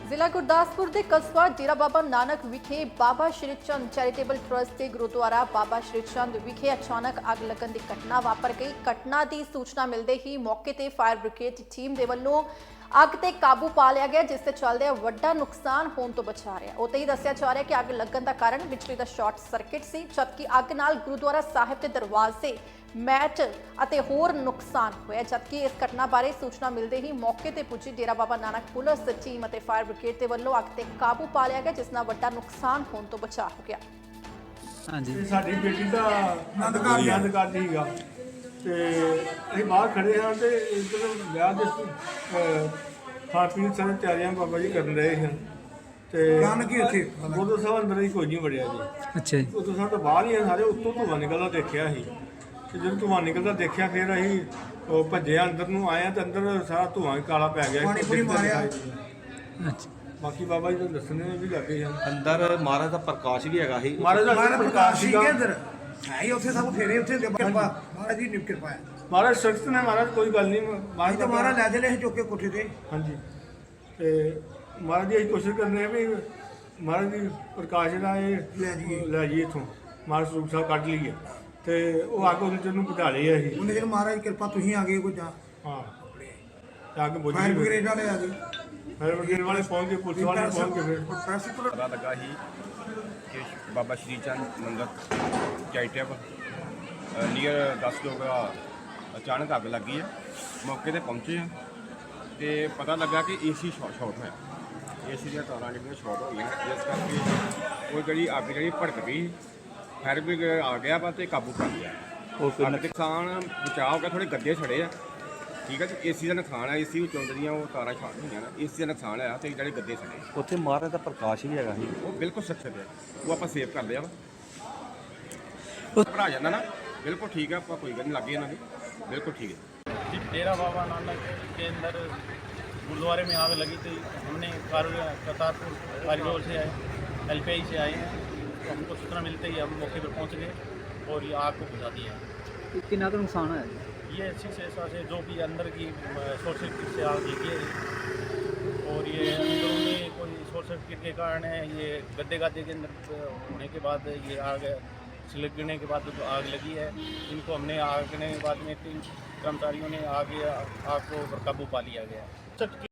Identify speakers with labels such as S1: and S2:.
S1: ਜ਼ਿਲ੍ਹਾ ਗੁਰਦਾਸਪੁਰ ਦੇ ਕਸਬਾ ਡੇਰਾ ਬਾਬਾ ਨਾਨਕ ਵਿਖੇ ਬਾਬਾ ਸ਼੍ਰੀ ਚੰਦ ਚੈਰੀਟੇਬਲ ਟਰਸਟ ਦੇ ਗੁਰਦੁਆਰਾ ਬਾਬਾ ਸ਼੍ਰੀ ਚੰਦ ਵਿਖੇ ਅਚਾਨਕ ਅੱਗ ਲੱਗਣ ਦੀ ਘਟਨਾ ਵਾਪਰ ਗਈ। ਘਟਨਾ ਦੀ ਸੂਚਨਾ ਮਿਲਦੇ ਹੀ ਮੌਕੇ ਤੇ ਫਾਇਰ ਬ੍ਰਿਗੇਡ ਟੀਮ ਦੇ ਵੱਲੋਂ ਅੱਗ ਤੇ ਕਾਬੂ ਪਾ ਲਿਆ ਗਿਆ, जिस चलते ਵੱਡਾ ਨੁਕਸਾਨ ਹੋਣ ਤੋਂ ਬਚਾ ਰਿਹਾ। ਉੱਤੇ ਹੀ ਦੱਸਿਆ ਜਾ ਰਿਹਾ ਕਿ ਅੱਗ ਲੱਗਣ ਦਾ ਕਾਰਨ ਬਿਜਲੀ ਦਾ ਸ਼ਾਰਟ ਸਰਕਟ ਸੀ, ਜਦਕਿ ਅੱਗ ਨਾਲ ਗੁਰਦੁਆਰਾ ਸਾਹਿਬ ਦੇ ਦਰਵਾਜ਼ੇ मैट ਅਤੇ ਹੋਰ ਨੁਕਸਾਨ ਹੋਇਆ। जबकि इस घटना बारे सूचना मिलते ही मौके ਤੇ ਪੁੱਜੀ ਡੇਰਾ ਬਾਬਾ ਨਾਨਕ ਪੁਲਿਸ ਟੀਮ ਅਤੇ ਫਾਇਰ ਬ੍ਰਿਗੇਡ ਦੇ ਵੱਲੋਂ ਅੱਗ ਤੇ ਕਾਬੂ ਪਾ ਲਿਆ ਗਿਆ, ਜਿਸ ਨਾਲ ਵੱਡਾ ਨੁਕਸਾਨ ਹੋਣ ਤੋਂ ਬਚਾ ਹੋ ਗਿਆ।
S2: ਹਾਂਜੀ,
S3: ਸਾਡੀ ਬੇਟੀ ਦਾ ਆਨੰਦ ਕਾਰਜ ਸੀਗਾ ਤੇ ਅਸੀਂ ਬਾਹਰ ਖੜੇ ਹਾਂ ਤੇ ਇੱਧਰ ਵਿਆਹ ਦੇ ਖਾਣ ਪੀਣ ਸਾਰੀ ਤਿਆਰੀਆਂ ਬਾਬਾ ਜੀ ਕਰਨ ਰਹੇ ਹਨ ਤੇ
S4: ਕੀ ਉੱਥੇ
S3: ਗੁਰਦੁਆਰਾ ਸਾਹਿਬ ਅੰਦਰ ਹੀ ਕੋਈ ਨਹੀਂ ਵੜਿਆ ਜੀ।
S2: ਅੱਛਾ ਜੀ।
S3: ਉਦੋਂ ਸਾਡੇ ਬਾਹਰ ਹੀ ਸਾਰੇ ਉੱਤੋਂ ਧੂੰਆਂ ਨਿਕਲਦਾ ਦੇਖਿਆ ਸੀ ਤੇ ਜਦੋਂ ਧੂੰਆਂ ਨਿਕਲਦਾ ਦੇਖਿਆ ਫਿਰ ਅਸੀਂ ਉਹ ਭੱਜੇ ਅੰਦਰ ਨੂੰ ਆਏ ਤੇ ਅੰਦਰ ਸਾਰਾ ਧੂੰਆਂ ਕਾਲਾ ਪੈ ਗਿਆ।
S2: ਅੱਛਾ,
S3: ਬਾਕੀ ਬਾਬਾ ਜੀ ਤਾਂ ਦੱਸਣੇ ਵੀ ਲੱਗੇ ਹਨ।
S5: ਅੰਦਰ ਮਹਾਰਾਜ ਦਾ ਪ੍ਰਕਾਸ਼ ਵੀ ਹੈਗਾ ਸੀ।
S3: ਮਹਾਰਾਜ ਦਾ ਪ੍ਰਕਾਸ਼ ਸੀਗਾ
S4: ਅੰਦਰ ਹੈ ਹੀ ਉੱਥੇ ਸਭ ਫੇਰੇ ਉੱਥੇ ਕਿਰਪਾ ਮਹਾਰਾਜ ਦੀ ਕਿਰਪਾ ਹੈ।
S3: ਮਹਾਰਾਜ ਸਖਤ ਨੇ, ਮਹਾਰਾਜ ਕੋਈ ਗੱਲ ਨਹੀਂ।
S4: ਅਸੀਂ ਤਾਂ ਮਹਾਰਾਜ ਲੈ ਚਲੇ ਚੁੱਕ ਕੇ ਕੋਠੇ ਤੇ।
S3: ਹਾਂਜੀ, ਤੇ ਮਹਾਰਾਜ ਜੀ ਅਸੀਂ ਕੋਸ਼ਿਸ਼ ਕਰਨੇ ਆ ਵੀ ਮਹਾਰਾਜ ਦੀ ਪ੍ਰਕਾਸ਼ ਦਾ ਇਹ ਲੈ ਜਾਈਏ ਇੱਥੋਂ, ਮਹਾਰਾਜ ਸਰੂਪ ਸਾਹਿਬ ਕੱਢ ਲਈਏ ਤੇ ਉਹ ਅੱਗ ਉਹਦੇ ਨੂੰ ਬੁਝਾ ਲਈ ਅਸੀਂ।
S4: ਉਹਨੇ ਫਿਰ ਮਹਾਰਾਜ ਕਿਰਪਾ ਤੁਸੀਂ ਆ ਗਏ ਕੋਈ ਜਾਂ
S3: ਹਾਂ ਤੇ ਅੱਗ ਬੁਝ
S4: ਫਾਇਰ
S3: ਗਈ।
S4: ਬ੍ਰਿਗੇਡ ਵਾਲੇ ਆ ਗਏ,
S3: ਫਾਇਰ ਬ੍ਰਿਗੇਡ ਵਾਲੇ ਪਹੁੰਚ ਕੇ, ਪੁਲਿਸ ਵਾਲੇ ਪਹੁੰਚ ਕੇ ਫਿਰ
S4: ਪ੍ਰੈਸ ਤੋਂ
S5: ਪਤਾ ਲੱਗਾ ਸੀ ਕਿ ਬਾਬਾ ਸ਼੍ਰੀ ਚੰਦ ਮੰਦਰ ਚੈਰੀਟੇਬਲ ਨੀਅਰ 10 ਲੋਕ ਅਚਾਨਕ ਅੱਗ ਲੱਗੀ ਹੈ। ਮੌਕੇ ਤੇ ਪਹੁੰਚੇ ਆ ਤੇ ਪਤਾ ਲੱਗਾ ਕਿ ਏਸੀ ਸ਼ਾਰਟ ਹੋਇਆ। ਏਸੀ ਦੀਆਂ ਤਾਰਾਂ ਜਿਹੜੀਆਂ ਸ਼ਾਰਟ ਹੋ ਗਈਆਂ, ਜਿਸ ਕਰਕੇ ਉਹ ਜਿਹੜੀ ਅੱਗ ਜਿਹੜੀ ਭੜਕ ਗਈ। ਫਾਇਰ ਬ੍ਰਿਗੇਡ ਆ ਗਿਆ ਵਾ ਤੇ ਕਾਬੂ ਕਰ ਲਿਆ। ਉਹ ਨੁਕਸਾਨ ਬਚਾਅ ਹੋ ਗਿਆ, ਥੋੜੇ ਗੱਦੇ ਛੜੇ ਆ। ਠੀਕ ਹੈ ਜੀ, ਏਸੀ ਦਾ ਨੁਕਸਾਨ ਹੈ। ਏਸੀ ਵਿੱਚੋਂ ਜਿਹੜੀਆਂ ਉਹ ਤਾਰਾਂ ਸ਼ਾਰਟ ਹੋਈਆਂ ਨਾ, ਏਸੀ ਦਾ ਨੁਕਸਾਨ ਹੈ ਤੇ ਜਿਹੜੇ ਗੱਦੇ ਛੜੇ
S2: ਉੱਥੇ ਮਹਾਰਾਜ ਦਾ ਪ੍ਰਕਾਸ਼ ਵੀ ਹੈਗਾ ਸੀ।
S5: ਉਹ ਬਿਲਕੁਲ ਸੁਰੱਖਿਅਤ ਹੈ। ਉਹ ਆਪਾਂ ਸੇਵ ਕਰ ਲਿਆ ਵਾ। ਉਹ ਭਰਾ ਜਾਂਦਾ ਨਾ, बिल्कुल ठीक है। आपका कोई गल नहीं लगी इन्हों की, बिल्कुल ठीक है
S6: जी। डेरा बाबा नानक के अंदर गुरुद्वारे में आग लगी थी। हमने करतारपुर कारीडोर से आए, LPI से आए हैं, तो हमको सूचना मिलते ही हम मौके पर पहुंच गए और ये आग को बुझा दिया।
S2: कितना का नुकसान है?
S6: ये 6 से जो भी अंदर की शॉर्ट सर्किट से आग लगी है और ये अंदरूनी कोई शॉर्ट सर्किट के कारण है। ये गद्दे के अंदर होने के बाद ये आग लगने के बाद जो आग लगी है, इनको हमने आग लगने के बाद में 3 कर्मचारियों ने आग को काबू पा लिया गया।